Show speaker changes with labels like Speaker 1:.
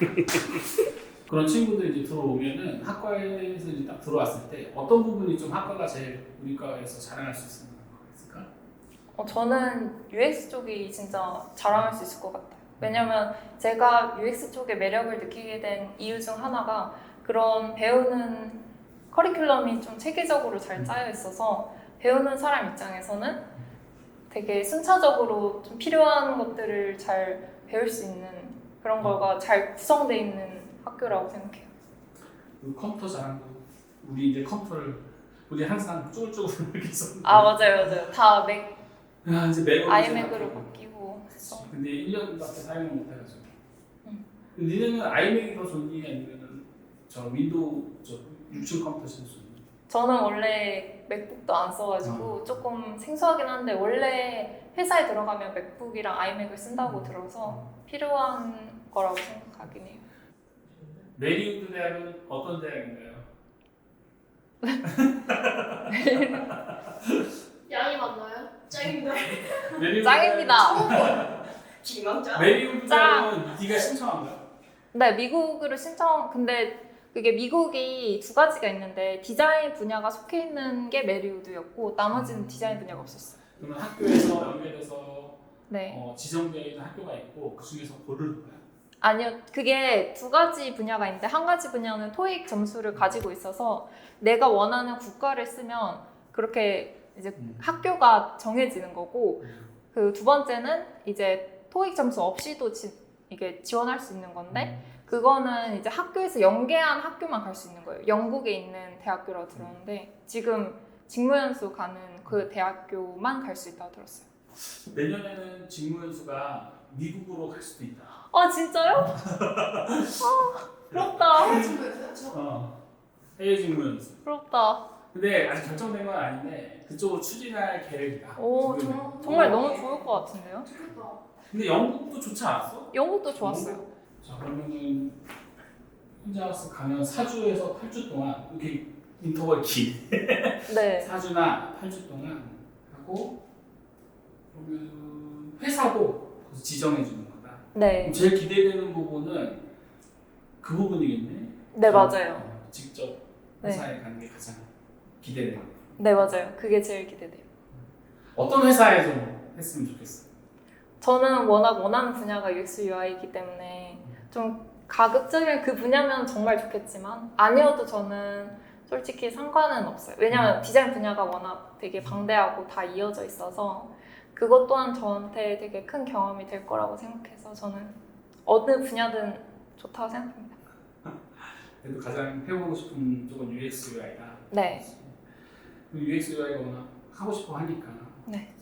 Speaker 1: 그런 친구들이 이제 들어오면은 학과에서 이제 딱 들어왔을 때 어떤 부분이 좀 학과가 제일 우리 과에서 자랑할 수 있는 거 있을까?
Speaker 2: 저는 UX 쪽이 진짜 자랑할 수 있을 것 같아요. 왜냐면 제가 UX 쪽의 매력을 느끼게 된 이유 중 하나가 그런 배우는 커리큘럼이 좀 체계적으로 잘 짜여 있어서 배우는 사람 입장에서는 되게 순차적으로 좀 필요한 것들을 잘 배울 수 있는 그런 거가 잘 구성되어 있는 학교라고 생각해요.
Speaker 1: 그 컴퓨터 자랑도 우리 이제 컴퓨터를 우리 항상 쭈글쭈글 이렇게 썼는데
Speaker 2: 맞아요. 다 맥,
Speaker 1: 이제 맥으로
Speaker 2: 아이맥으로 바뀌고 해서.
Speaker 1: 근데 1년밖에 사용을 못 해가지고 니네는 아이맥이 더 좋니 아니면은 저 윈도우 저 6층 컴퓨터 쓰는 좋니?
Speaker 2: 저는 원래 맥북도 안 써가지고 조금 생소하긴 한데 원래 회사에 들어가면 맥북이랑 아이맥을 쓴다고 들어서 필요한 거라고 생각하긴 해요.
Speaker 1: 메리우드 대학은 어떤 대학인가요?
Speaker 3: 양이 맞나요? 짱인데.
Speaker 1: 메리우드
Speaker 2: 짱입니다.
Speaker 3: 기망자.
Speaker 1: 메리우드 대학은 네가 신청한 거야?
Speaker 2: 네, 미국으로 근데 그게 미국이 두 가지가 있는데 디자인 분야가 속해 있는 게 메리우드였고 나머지는 디자인 분야가 없었어요.
Speaker 1: 그러면 학교에서 연계돼서
Speaker 2: 네.
Speaker 1: 지정되어 있는 학교가 있고 그 중에서 고르는 거야?
Speaker 2: 아니요, 그게 두 가지 분야가 있는데 한 가지 분야는 토익 점수를 가지고 있어서 내가 원하는 국가를 쓰면 그렇게 이제 학교가 정해지는 거고 그 두 번째는 이제 토익 점수 없이도 이게 지원할 수 있는 건데 그거는 이제 학교에서 연계한 학교만 갈 수 있는 거예요. 영국에 있는 대학교라고 들었는데 지금 직무연수 가는 그 대학교만 갈 수 있다고 들었어요.
Speaker 1: 내년에는 직무연수가 미국으로 갈 수도 있다.
Speaker 2: 진짜요? 부럽다.
Speaker 1: 해외 직무연수.
Speaker 2: 부럽다.
Speaker 1: 근데 아직 결정된 건 아닌데 그쪽으로 추진할 계획이다.
Speaker 2: 오,
Speaker 1: 지금은.
Speaker 2: 정말 너무 좋을 것 같은데요?
Speaker 3: 좋겠다.
Speaker 1: 근데 영국도 좋지 않았어?
Speaker 2: 영국도 좋았어요.
Speaker 1: 자 그러면은 혼자 가면 4주에서 8주 동안 이렇게 인터벌 긴
Speaker 2: 네.
Speaker 1: 4주나 8주 동안 하고 그러면 회사도 거기서 지정해 주는 거다.
Speaker 2: 네.
Speaker 1: 그럼 제일 기대되는 부분은 그 부분이겠네.
Speaker 2: 네, 맞아요.
Speaker 1: 직접
Speaker 2: 네.
Speaker 1: 회사에 가는 게 가장 기대돼요.
Speaker 2: 네, 맞아요. 그게 제일 기대돼요.
Speaker 1: 어떤 회사에 좀 했으면 좋겠어?
Speaker 2: 저는 워낙 원하는 분야가 UX UI이기 때문에 좀 가급적이면 그 분야면 정말 좋겠지만 아니어도 저는 솔직히 상관은 없어요. 왜냐면 디자인 분야가 워낙 되게 방대하고 다 이어져 있어서 그것 또한 저한테 되게 큰 경험이 될 거라고 생각해서 저는 어느 분야든 좋다고 생각합니다.
Speaker 1: 그래도 가장 해보고 싶은 쪽은 UX UI다.
Speaker 2: 네.
Speaker 1: UX UI가 워낙 하고 싶어 하니까.
Speaker 2: 네.